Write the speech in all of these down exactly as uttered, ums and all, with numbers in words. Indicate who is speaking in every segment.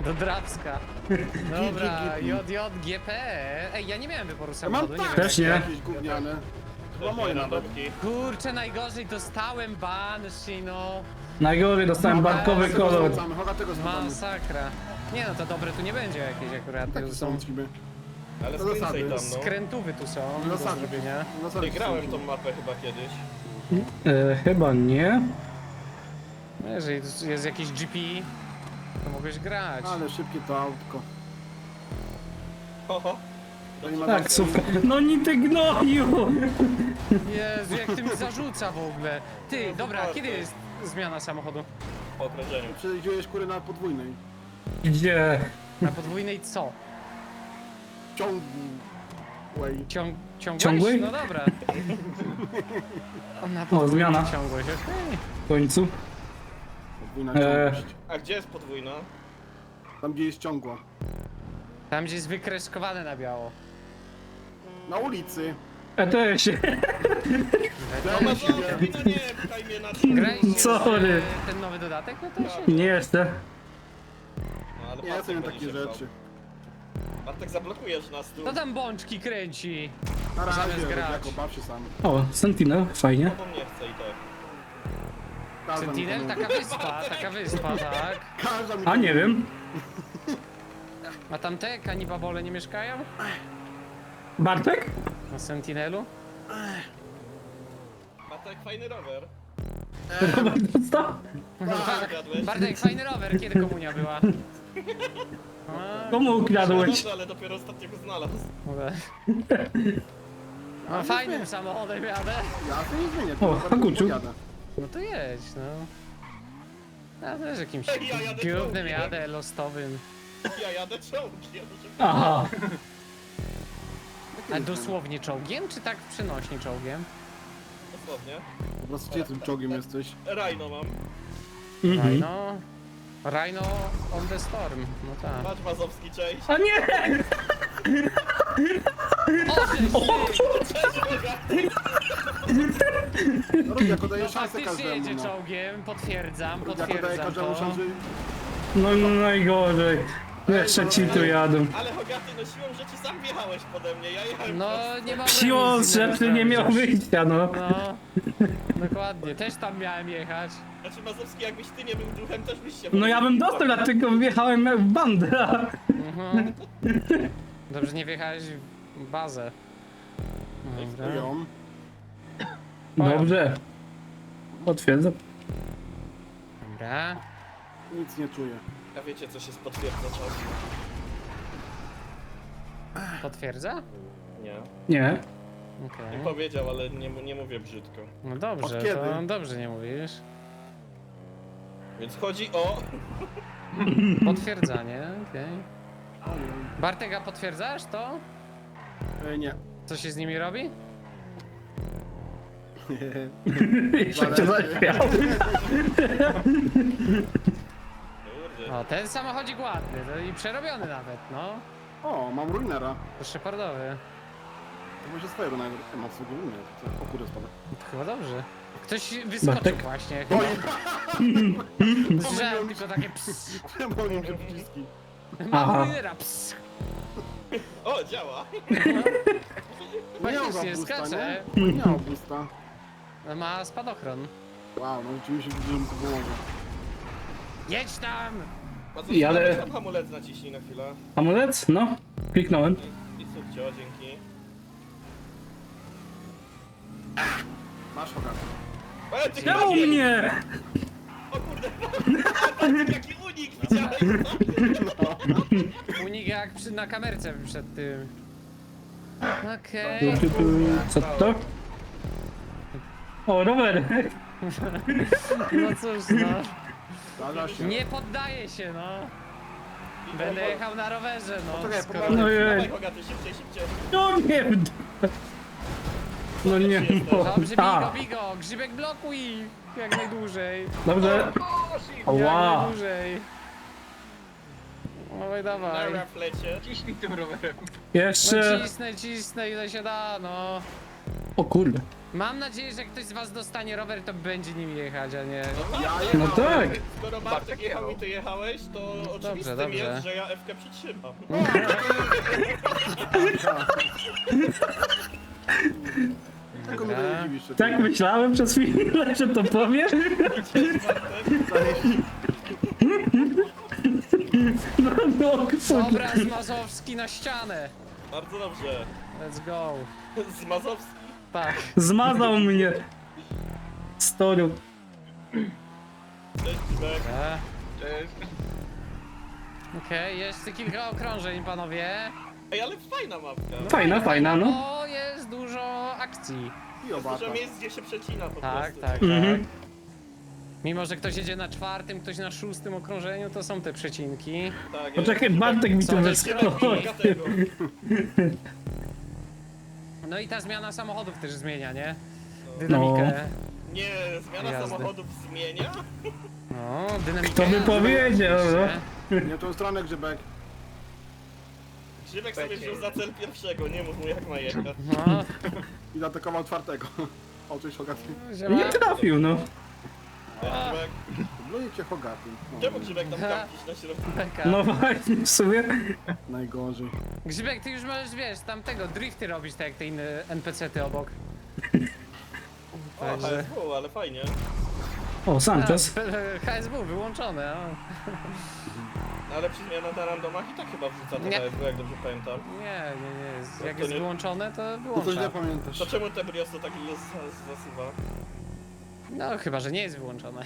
Speaker 1: Do Drawska. Dobra, J J G P. Ej, ja nie miałem wyboru samochodu, nie
Speaker 2: tak.
Speaker 1: wiem.
Speaker 3: Też nie.
Speaker 2: Jakieś gówniane. Chyba moje nawet.
Speaker 1: Kurczę, najgorzej dostałem Banshee, no.
Speaker 3: Najgorzej dostałem barkowy
Speaker 2: Tego
Speaker 3: kolor.
Speaker 2: sprawdzamy, Choga tego sprawdzamy.
Speaker 1: Masakra. Nie no, to dobre tu nie będzie jakieś akurat.
Speaker 2: Takie
Speaker 1: To
Speaker 2: są
Speaker 1: są
Speaker 2: ciby.
Speaker 4: Ale
Speaker 2: To
Speaker 4: skręcaj
Speaker 2: zasady.
Speaker 4: tam, no.
Speaker 1: skrętówy tu są do
Speaker 2: Zasady.
Speaker 1: zrobienia.
Speaker 2: Zasady
Speaker 4: Wygrałem
Speaker 2: są
Speaker 4: tą
Speaker 2: ciby.
Speaker 4: mapę chyba kiedyś.
Speaker 3: E, chyba nie.
Speaker 1: No, jeżeli jest jakiś G P, to mogłeś grać.
Speaker 2: Ale szybkie to autko.
Speaker 4: Ho, ho.
Speaker 2: To nie ma
Speaker 3: Tak, super. No nie ty gnoju!
Speaker 1: Jezu, jak ty mi zarzuca w ogóle. Ty, dobra, kiedy jest zmiana samochodu?
Speaker 4: Po okrążeniu.
Speaker 2: Przejdziesz kury na podwójnej.
Speaker 3: Gdzie?
Speaker 1: Na podwójnej co?
Speaker 2: Ciągłej.
Speaker 1: Ciąg, ciągłość?
Speaker 3: Ciągłej?
Speaker 1: No dobra. O, na
Speaker 3: O,
Speaker 1: podwójnej
Speaker 3: zmiana.
Speaker 1: ciągłość, okej.
Speaker 3: W końcu.
Speaker 2: Podwójna
Speaker 3: Eee.
Speaker 2: ciągłość.
Speaker 4: A gdzie jest podwójna?
Speaker 2: Tam gdzie jest ciągła.
Speaker 1: Tam gdzie jest wykreskowane na biało.
Speaker 2: Na ulicy.
Speaker 3: E to się.
Speaker 4: No ma no nie, pchaj mnie na tym.
Speaker 1: Graliście
Speaker 3: Sorry.
Speaker 1: już, e, ten nowy dodatek? No to się...
Speaker 3: Nie jestem.
Speaker 4: No, ale
Speaker 2: Nie, ja
Speaker 4: Bartek
Speaker 2: sobie
Speaker 4: będzie
Speaker 2: takie
Speaker 4: się
Speaker 2: rzeczy.
Speaker 4: bał. Bartek, zablokujesz nas tu.
Speaker 1: To tam bączki kręci.
Speaker 2: Na razie,
Speaker 1: Zamiast grać.
Speaker 2: jako baw się sam.
Speaker 3: O, Sentinel, fajnie.
Speaker 4: No bo mnie chce i tak.
Speaker 2: Każda mi
Speaker 1: Sentinel?
Speaker 2: to mówi.
Speaker 1: Taka wyspa, taka wyspa, tak.
Speaker 2: Każda mi
Speaker 3: A
Speaker 2: to
Speaker 3: nie
Speaker 2: mówi.
Speaker 3: wiem.
Speaker 1: A tam te kanibabole nie mieszkają?
Speaker 3: Bartek?
Speaker 1: Na Sentinelu?
Speaker 4: Bartek, fajny rower.
Speaker 3: Robert dostał?
Speaker 4: Zgadłeś?
Speaker 1: Bartek, fajny rower, kiedy komunia była? A,
Speaker 3: Komu ukradłeś?
Speaker 4: Dobrze, ale dopiero ostatnio go znalazł.
Speaker 1: dobra. No, fajnym samochodem jadę.
Speaker 2: Ja to nie zmienię.
Speaker 3: O,
Speaker 2: to bardzo
Speaker 3: Hakuciu.
Speaker 2: podjadę.
Speaker 1: No to jedź, no. Ja też jakimś
Speaker 4: Ja jadę
Speaker 1: gównem
Speaker 4: czołgiem.
Speaker 1: jadę, lostowym.
Speaker 4: Ja jadę czołgiem.
Speaker 3: Aha.
Speaker 1: A dosłownie czołgiem, czy tak przenośnie czołgiem?
Speaker 4: Dosłownie.
Speaker 2: Po prostu gdzie tym czołgiem jesteś?
Speaker 4: Rhino mam.
Speaker 3: Mhm.
Speaker 1: Rhino... Rhino on the storm, no tak.
Speaker 4: Patrz Mazowski, cześć.
Speaker 3: A nie!
Speaker 1: O, ty,
Speaker 2: No Rudy, jako
Speaker 1: no
Speaker 2: daje szansę
Speaker 1: faktycznie
Speaker 2: każdemu.
Speaker 1: jedzie
Speaker 2: No.
Speaker 1: czołgiem, potwierdzam,
Speaker 2: Rudy, jako daje
Speaker 1: potwierdzam
Speaker 2: każdemu
Speaker 1: to.
Speaker 2: szansę.
Speaker 3: No najgorzej. Jeszcze ci tu jadą.
Speaker 4: Ale Hogaty, no siłą rzeczy sam wjechałeś pode mnie, ja jechałem
Speaker 1: No
Speaker 4: prosto.
Speaker 1: nie mam
Speaker 3: Siłą
Speaker 1: nic innego
Speaker 3: rzeczy nie miał
Speaker 1: zrobić.
Speaker 3: wyjścia, no.
Speaker 1: No, dokładnie, też tam miałem jechać.
Speaker 4: Znaczy Mazowski, jakbyś ty nie był duchem, też byś się...
Speaker 3: No ja bym dostał, dlatego wjechałem w bandę.
Speaker 1: Mhm. Dobrze, nie wjechałeś w bazę. Dobra.
Speaker 2: Ją.
Speaker 3: Dobrze. Potwierdzam.
Speaker 1: Dobra.
Speaker 2: Nic nie czuję.
Speaker 4: A wiecie, co się potwierdza czas?
Speaker 1: Potwierdza?
Speaker 4: Nie.
Speaker 3: Nie.
Speaker 1: Okej.
Speaker 4: Nie powiedział, ale nie, nie mówię brzydko.
Speaker 1: No dobrze,
Speaker 2: Od kiedy?
Speaker 1: to dobrze nie mówisz.
Speaker 4: Więc chodzi o...
Speaker 1: Potwierdzanie, okej. Bartek, a potwierdzasz to?
Speaker 2: E, nie.
Speaker 1: Co się z nimi robi?
Speaker 3: Jeszcze cię zaśmiał.
Speaker 4: Kurde.
Speaker 1: O, ten samochodzik ładny, no i przerobiony nawet, no.
Speaker 2: O, mam ruinera.
Speaker 1: To Shepardowy.
Speaker 2: To może swoje ruinery. Ja mam swojego ruinera. Co? O kurde, spada.
Speaker 1: To chyba dobrze. Ktoś wyskoczył
Speaker 3: Bartek?
Speaker 1: właśnie.
Speaker 2: Oj,
Speaker 1: Słyszałem tylko takie ps.
Speaker 2: pomyliłem się przyciski.
Speaker 1: Mam
Speaker 3: Aha.
Speaker 1: ruinera, ps.
Speaker 4: O, działa!
Speaker 2: Nie miał
Speaker 1: Faktycznie,
Speaker 2: boosta,
Speaker 1: skacze.
Speaker 2: nie? Nie miał boosta.
Speaker 1: Ma spadochron.
Speaker 2: Wow, no rzeczywiście widzę, że mi to pomoże.
Speaker 1: Jedź tam!
Speaker 4: Mazowski,
Speaker 3: I ale-
Speaker 4: ale... tam hamulec naciśnij na chwilę.
Speaker 3: Hamulec? No. Kliknąłem.
Speaker 4: I, i subcio, dzięki.
Speaker 2: Masz Hogan.
Speaker 4: E, ty
Speaker 3: Czemu
Speaker 4: chyba-
Speaker 3: mnie?
Speaker 4: O kurde! Jaki unik widziałeś?
Speaker 1: Unik jak przy, na kamerce przed tym. Okej.
Speaker 3: Tu, tu, tu. Co to? O, rower.
Speaker 1: No cóż, no.
Speaker 2: Zdarza się.
Speaker 1: Nie poddaję się, no. Będę jechał na rowerze, no.
Speaker 2: Poczekaj,
Speaker 1: Skoro...
Speaker 2: popatrz.
Speaker 3: No jej.
Speaker 4: Dawaj Hogaty, szybciej, szybciej.
Speaker 3: No nie. No nie.
Speaker 1: Dobrze,
Speaker 3: A,
Speaker 1: bigo, bigo, grzybek blokuj! Jak najdłużej.
Speaker 3: dobrze.
Speaker 1: Jak
Speaker 3: Ła.
Speaker 1: najdłużej. Dawaj, dawaj.
Speaker 4: Dobra, w lecie.
Speaker 5: Ciśnij tym rowerem.
Speaker 1: No
Speaker 3: Jeszcze.
Speaker 1: cisnę, cisnę ile się da, no.
Speaker 3: O kurde.
Speaker 1: Mam nadzieję, że jak ktoś z was dostanie rower, to będzie nim jechać, a nie...
Speaker 3: No tak.
Speaker 4: Skoro Bartek jechał i ty jechałeś, to oczywistym
Speaker 1: dobrze.
Speaker 4: jest, że ja F-kę przytrzymam.
Speaker 2: Tylko mnie to nie dziwisz, że
Speaker 3: Tak myślałem przez chwilę, że to powiesz. No, no, kurde.
Speaker 1: Obraz Mazowski na ścianę.
Speaker 4: Bardzo dobrze.
Speaker 1: Let's go.
Speaker 4: Z Mazowski.
Speaker 1: Tak.
Speaker 3: Zmazał mnie. Storu.
Speaker 4: Cześć, Zibek.
Speaker 1: E,
Speaker 4: Cześć.
Speaker 1: Okej, jeszcze kilka okrążeń, panowie.
Speaker 4: Ej, ale fajna mapka.
Speaker 3: Fajna, fajna, no.
Speaker 1: O, jest dużo akcji.
Speaker 2: I obata.
Speaker 4: Dużo miejsc, gdzie się przecina po
Speaker 1: Tak,
Speaker 4: prostu.
Speaker 1: tak,
Speaker 3: Mhm.
Speaker 1: tak. Mimo, że ktoś jedzie na czwartym, ktoś na szóstym okrążeniu, to są te przecinki.
Speaker 4: Tak,
Speaker 3: Poczekaj, Bartek mi tu
Speaker 1: Co,
Speaker 3: wyskoczył.
Speaker 4: tego.
Speaker 1: No i ta zmiana samochodów też zmienia, nie?
Speaker 3: No.
Speaker 1: Dynamikę.
Speaker 4: Nie, zmiana
Speaker 1: Jazdy.
Speaker 4: samochodów zmienia?
Speaker 1: No, dynamikę.
Speaker 3: Kto by powiedział, no.
Speaker 2: Nie tą stronę, Grzybek.
Speaker 4: Grzybek sobie wziął za cel pierwszego, nie mów mu jak ma jechać.
Speaker 1: No,
Speaker 2: I zaatakował czwartego. O, cześć Hogaty.
Speaker 1: zielona.
Speaker 3: Nie trafił, no.
Speaker 4: Cześć, Grzybek.
Speaker 2: Bluje cię Hogaty. O,
Speaker 4: Czemu Grzybek tam kampisz na środku?
Speaker 1: Beka.
Speaker 3: No właśnie, w sumie.
Speaker 2: najgorzej.
Speaker 1: Grzybek, ty już możesz, wiesz, tamtego drifty robić, tak jak te inne N P C ty obok.
Speaker 4: O,
Speaker 1: Także-
Speaker 4: H S W, ale fajnie.
Speaker 3: O, Santos.
Speaker 1: H S W wyłączone, o.
Speaker 4: Ale przy zmianach na randomach i tak chyba wrzuca to
Speaker 1: Nie.
Speaker 4: H S W, jak dobrze pamiętam.
Speaker 1: Nie, nie, nie. jest- Jak
Speaker 4: to
Speaker 1: jest
Speaker 4: nie-
Speaker 1: wyłączone, to
Speaker 2: To coś
Speaker 1: wyłącza.
Speaker 2: nie pamiętasz.
Speaker 4: To czemu te Brioso taki los zasuwa?
Speaker 1: No, chyba, że nie jest wyłączone.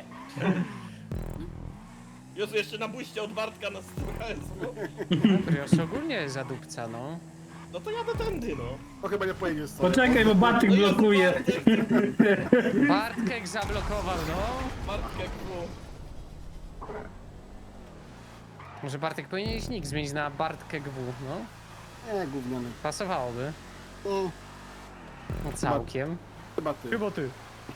Speaker 4: Jezu, jeszcze na buście od Bartka na stół H S W.
Speaker 1: Prius ogólnie jest zadupca, no.
Speaker 4: No to jadę tędy, no.
Speaker 2: To chyba nie pojedziesz sobie.
Speaker 3: Poczekaj, bo Bartek
Speaker 4: No jest
Speaker 3: blokuje.
Speaker 4: Bartek,
Speaker 1: Bartkek zablokował, no.
Speaker 4: Bartek W.
Speaker 1: Może Bartek powinien nick zmienić na Bartkek W, no.
Speaker 2: Nie, gówniany.
Speaker 1: Pasowałoby.
Speaker 2: O,
Speaker 1: No, całkiem.
Speaker 2: chyba ty.
Speaker 1: ty.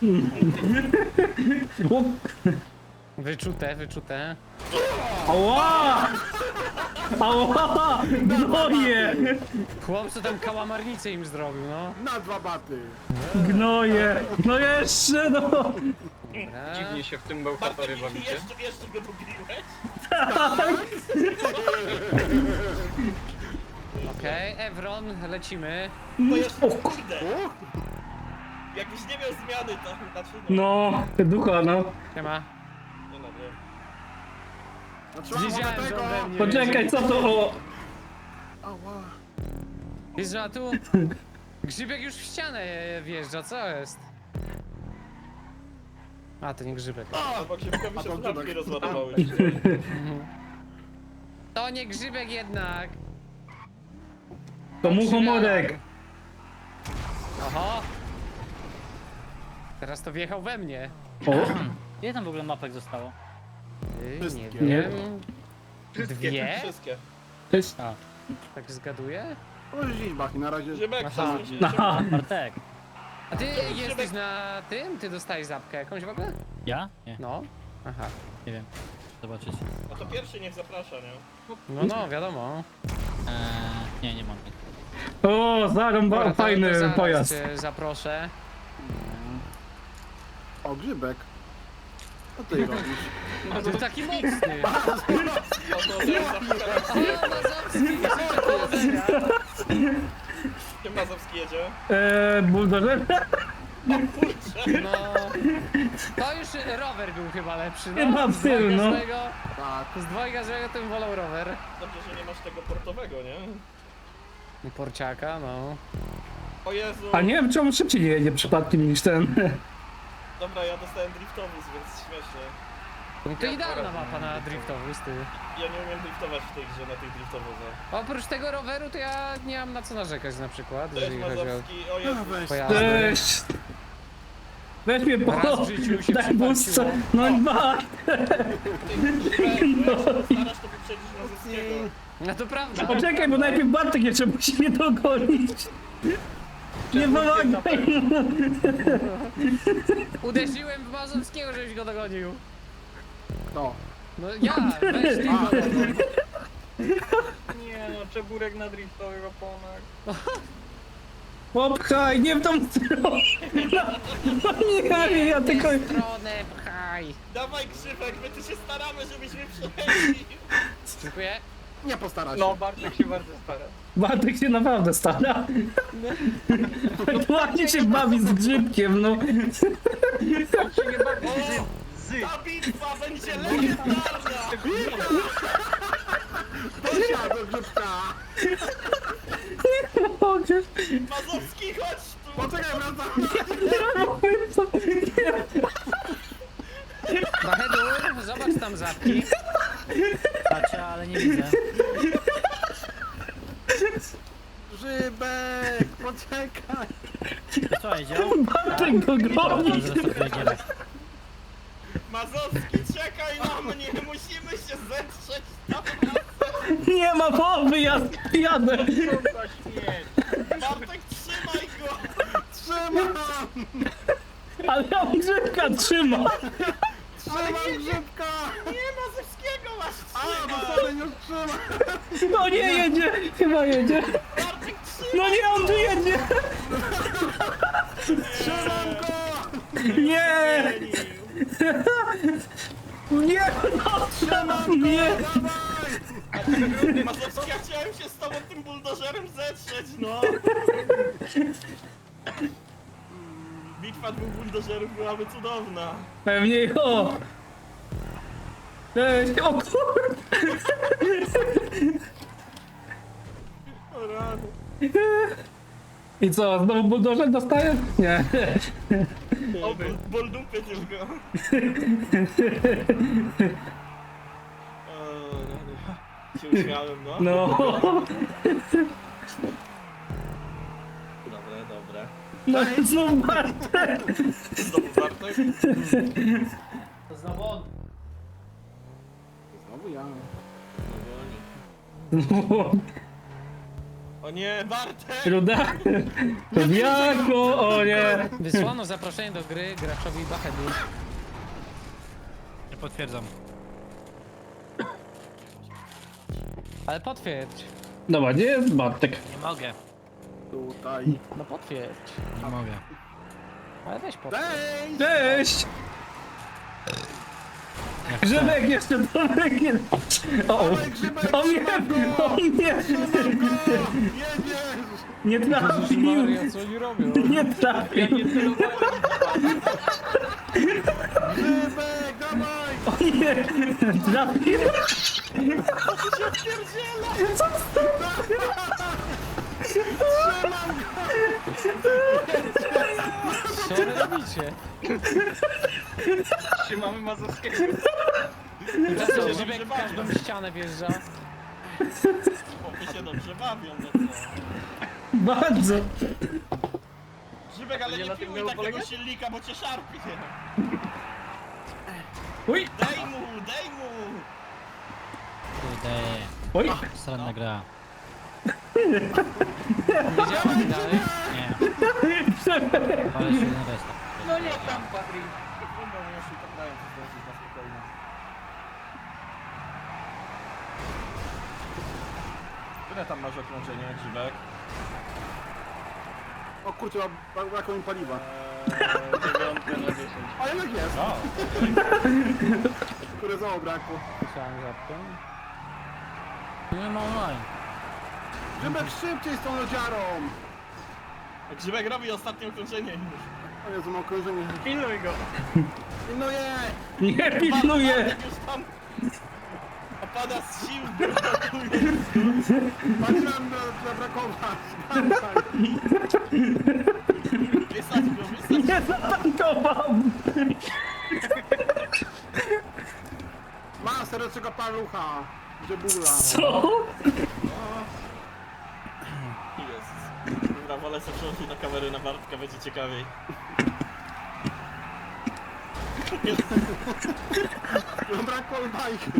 Speaker 3: O,
Speaker 1: Wyczute, wyczute.
Speaker 3: ała! Ała! Gnoje!
Speaker 1: Chłop, co tam kałamarnicę im zrobił, no.
Speaker 2: Na dwa baty.
Speaker 3: Gnoje! No jeszcze, no!
Speaker 1: Dobra.
Speaker 5: Dziwnie się w tym
Speaker 4: Bartek,
Speaker 5: bełchatory
Speaker 4: i
Speaker 5: bawicie.
Speaker 4: jeszcze, jeszcze go lubiłeś?
Speaker 1: Okej, Evron, lecimy.
Speaker 4: To jeszcze,
Speaker 3: O,
Speaker 4: kurde.
Speaker 2: O,
Speaker 4: Jakbyś nie miał zmiany, to znaczy nie.
Speaker 3: no, ducha, no.
Speaker 1: Siema.
Speaker 4: Nie no, wiem.
Speaker 2: zatrzymałem
Speaker 1: Wiedziałem, że
Speaker 2: tego.
Speaker 1: ode mnie
Speaker 3: Poczekaj, co to o...
Speaker 2: Ała.
Speaker 1: Jest, że tu Grzybek już w ścianę wjeżdża, co jest? A, to nie Grzybek.
Speaker 4: Albo Grzybkowi
Speaker 2: A
Speaker 4: się
Speaker 2: to
Speaker 4: słuchawki
Speaker 2: Grzybek.
Speaker 4: rozładowały.
Speaker 1: To nie Grzybek jednak.
Speaker 3: To muchomorek.
Speaker 1: Oho. Teraz to wjechał we mnie.
Speaker 3: O,
Speaker 6: Ile tam w ogóle mapek zostało?
Speaker 1: Yy, nie
Speaker 2: Wszystkie.
Speaker 1: wiem. Dwie?
Speaker 4: Wszystkie.
Speaker 3: to jest...
Speaker 6: A,
Speaker 1: Tak zgaduję?
Speaker 2: O, Zibach i na razie...
Speaker 4: Grzybek,
Speaker 1: Aha.
Speaker 4: przesuń się.
Speaker 3: Aha.
Speaker 6: Bartek.
Speaker 1: A ty jesteś na tym? Ty dostałeś zapkę jakąś w ogóle?
Speaker 6: Ja? Nie,
Speaker 1: No. Aha.
Speaker 6: nie wiem. Zobaczyć.
Speaker 4: No to pierwszy niech zaprasza, nie?
Speaker 1: No, no, wiadomo.
Speaker 6: Eee, nie, nie mam.
Speaker 3: O, zarąba,
Speaker 1: Dobra, to- to
Speaker 3: fajny
Speaker 1: zaraz
Speaker 3: pojazd.
Speaker 1: cię zaproszę.
Speaker 2: O, Grzybek. Co ty robisz?
Speaker 1: A ty taki mocny.
Speaker 4: No to zapraszam.
Speaker 1: O, Mazowski, powodzenia.
Speaker 4: Kim Mazowski jedzie?
Speaker 3: Eee, buldożer?
Speaker 1: No. To już rower był chyba lepszy, no.
Speaker 3: Chyba w
Speaker 1: Z
Speaker 3: tył,
Speaker 1: dwojga
Speaker 3: no.
Speaker 1: złego,
Speaker 2: Tak.
Speaker 1: z dwojga złego to bym wolał rower.
Speaker 4: Dobrze, że nie masz tego portowego, nie?
Speaker 1: Porciaka, no.
Speaker 4: O Jezu.
Speaker 3: A nie wiem, czemu szybciej jedzie przypadkiem niż ten.
Speaker 4: Dobra, ja dostałem driftowóz, więc śmiesznie.
Speaker 1: No to idealna mapa na driftowóz, ty.
Speaker 4: Ja nie umiem driftować w tej grze na tych driftowozach.
Speaker 1: Oprócz tego roweru to ja nie mam na co narzekać na przykład,
Speaker 4: Cześć
Speaker 1: jeżeli chodzi o
Speaker 4: Mazowski, o Jezu.
Speaker 2: No weź.
Speaker 1: pojazdy.
Speaker 3: Cześć! Weź mnie po...
Speaker 1: Raz w życiu się
Speaker 3: Daj busce.
Speaker 1: przypłaciło.
Speaker 3: No dwa!
Speaker 4: No. Starasz to wyprzedzić Mazowskiego.
Speaker 1: No to prawda.
Speaker 3: Poczekaj, bo najpierw Bartek jeszcze musi mnie dogonić. Nie pomagaj!
Speaker 1: Uderzyłem w Mazowskiego, żebyś go dogonił.
Speaker 2: No.
Speaker 1: No ja, weź ty go dogoń.
Speaker 5: Nie no, czeburek na driftowych oponach.
Speaker 3: Popchaj, nie w tą stronę! No nie, ja tylko...
Speaker 1: Stronę pchaj.
Speaker 4: Dawaj Grzybek, my tu się staramy, żebyśmy przejęli.
Speaker 1: Dziękuję.
Speaker 2: Nie postara się.
Speaker 5: No, Bartek się bardzo stara.
Speaker 3: Bartek się naprawdę stara. Ładnie się bawi z grzybkiem, no.
Speaker 5: On się nie bawi z... z...
Speaker 4: Ta bitwa będzie legendarna!
Speaker 2: Dosia do grzybka!
Speaker 3: Nie mogę.
Speaker 4: Mazowski, chodź tu!
Speaker 2: Poczekaj, wracam!
Speaker 3: Nie mogę.
Speaker 1: Bahedur, zobacz tam zapki.
Speaker 6: Patrzę, ale nie widzę.
Speaker 2: Grzybek, poczekaj!
Speaker 6: To co, jedział?
Speaker 3: Bartek go goni.
Speaker 6: Zresztą jedziemy.
Speaker 4: Mazowski, czekaj na mnie! Musimy się zetrzeć tam
Speaker 3: Nie ma mowy, ja jadę.
Speaker 5: Kurwa śmierć.
Speaker 4: Bartek, trzymaj go!
Speaker 2: Trzymam!
Speaker 3: Ale ja grzybka trzymam.
Speaker 2: Trzymam grzybka!
Speaker 4: Nie, Mazowskiego masz
Speaker 2: A, bo
Speaker 4: trzymać!
Speaker 2: sobie już trzymam!
Speaker 3: No nie jedzie, chyba jedzie.
Speaker 4: Bartek, trzymaj!
Speaker 3: No nie, on tu jedzie.
Speaker 2: Trzymam go!
Speaker 3: Nie, nie, no trzymam, nie.
Speaker 2: Dawaj!
Speaker 4: Mazowski, ja chciałem się z tobą tym buldożerem zetrzeć, no! Bitwa dwóch buldożerów byłaby cudowna.
Speaker 3: Pewnie o. Cześć, o kurde.
Speaker 4: O rany.
Speaker 3: I co, znowu buldożer dostaje? Nie.
Speaker 4: O, ból, ból dupy tylko. O rany. Się uśmiałem, no.
Speaker 3: No.
Speaker 4: Dobre, dobre.
Speaker 3: No znów Bartek.
Speaker 4: Znowu Bartek?
Speaker 6: To znowu on.
Speaker 2: Znowu ja.
Speaker 4: O nie, Bartek!
Speaker 3: Ruda? Jako, o nie.
Speaker 1: Wysłano zaproszenie do gry graczowi Bahedur.
Speaker 6: Nie potwierdzam.
Speaker 1: Ale potwierdź.
Speaker 3: Dobra, gdzie jest Bartek?
Speaker 6: Nie mogę.
Speaker 2: Tutaj.
Speaker 1: No potwierdź.
Speaker 6: Nie mogę.
Speaker 1: Ale weź potwierdź.
Speaker 2: Cześć!
Speaker 3: Cześć! Grzybek jeszcze Tomek nie... O, o,
Speaker 2: Dawaj, Grzybek,
Speaker 3: o nie,
Speaker 2: trzymam go!
Speaker 3: o nie,
Speaker 2: Trzymam go! Jedziesz!
Speaker 3: nie trafił,
Speaker 1: Maria, co oni robią?
Speaker 3: nie trafił,
Speaker 2: Grzybek, dawaj!
Speaker 3: o nie, trafił.
Speaker 1: Co wy robicie?
Speaker 5: Trzymamy Mazowskiego.
Speaker 1: Tymczasem
Speaker 4: dobrze
Speaker 1: Grzybek w
Speaker 4: bawią.
Speaker 1: każdą ścianę wjeżdża.
Speaker 4: Chłopy się dobrze bawią, no co?
Speaker 3: Bardzo.
Speaker 4: Grzybek, ale
Speaker 5: Nie
Speaker 4: nie
Speaker 5: na tym
Speaker 4: piłuj
Speaker 5: miało
Speaker 4: takiego
Speaker 5: polegać?
Speaker 4: silnika, bo cię szarpie.
Speaker 3: Oj,
Speaker 4: Dej mu, dej mu!
Speaker 6: Kurde.
Speaker 3: oj,
Speaker 6: Stranna gra.
Speaker 1: Wiedziałem dalej.
Speaker 6: Nie. Ale się na resta.
Speaker 5: No nie tam, Patryk.
Speaker 4: Ile tam masz okrążenia, Grzybek?
Speaker 2: O kurczę, brak- brakło mi paliwa.
Speaker 5: Eee, dziewiątka na dziesięć.
Speaker 2: A jednak jest!
Speaker 4: O,
Speaker 2: Które znowu brakło.
Speaker 1: Słyszałem zapkę.
Speaker 6: Nie ma online.
Speaker 2: Grzybek szybciej z tą lodziarą!
Speaker 4: Grzybek robi ostatnie okrążenie już.
Speaker 2: O Jezu, mam krążenie.
Speaker 5: Pilnuj go.
Speaker 2: No je!
Speaker 3: nie pilnuję.
Speaker 4: Bartek już tam opada z sił,
Speaker 2: Patrzyłem na, zabrakować.
Speaker 4: wysadź go, wysadź go.
Speaker 3: Nie zatankował.
Speaker 2: Ma serecznego palucha. Grzebula.
Speaker 3: Co?
Speaker 4: Jezus. Dobra, wolę sobie przełączyć na kamerę na Bartka, będzie ciekawiej.
Speaker 2: No brakło bajki.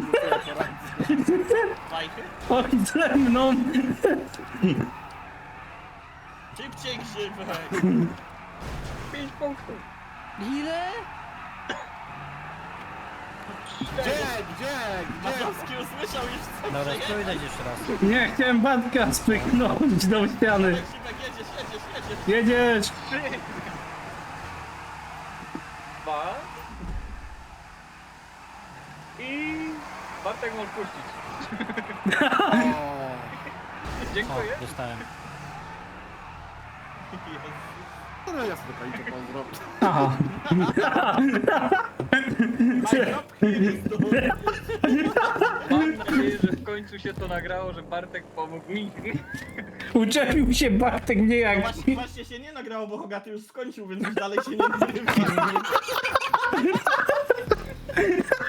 Speaker 4: Bajky?
Speaker 3: Oj, ze mną.
Speaker 4: Szybciej, Grzybek!
Speaker 5: Pięć punktów.
Speaker 1: Ile?
Speaker 2: Gdzie, gdzie, gdzie?
Speaker 4: Mazowski usłyszał już co
Speaker 6: Dobra,
Speaker 4: przejechał.
Speaker 6: spróbuj jeszcze raz.
Speaker 3: Nie, chciałem Bartka spychnąć do ściany.
Speaker 4: Simek, jedziesz, jedziesz, jedziesz.
Speaker 3: Jedziesz!
Speaker 5: Dwa. I... Bartek możesz puścić.
Speaker 2: O,
Speaker 5: Dziękuję.
Speaker 6: O, dostałem.
Speaker 2: to no ja sobie to kaliczę pozdrowić.
Speaker 3: Aha.
Speaker 5: Mam nadzieję, że w końcu się to nagrało, że Bartek pomógł mi.
Speaker 3: Uczepił się Bartek mnie
Speaker 4: No
Speaker 3: jak...
Speaker 4: właśnie, właśnie się nie nagrało, bo Hogaty już skończył, więc już dalej się nie nagrywa.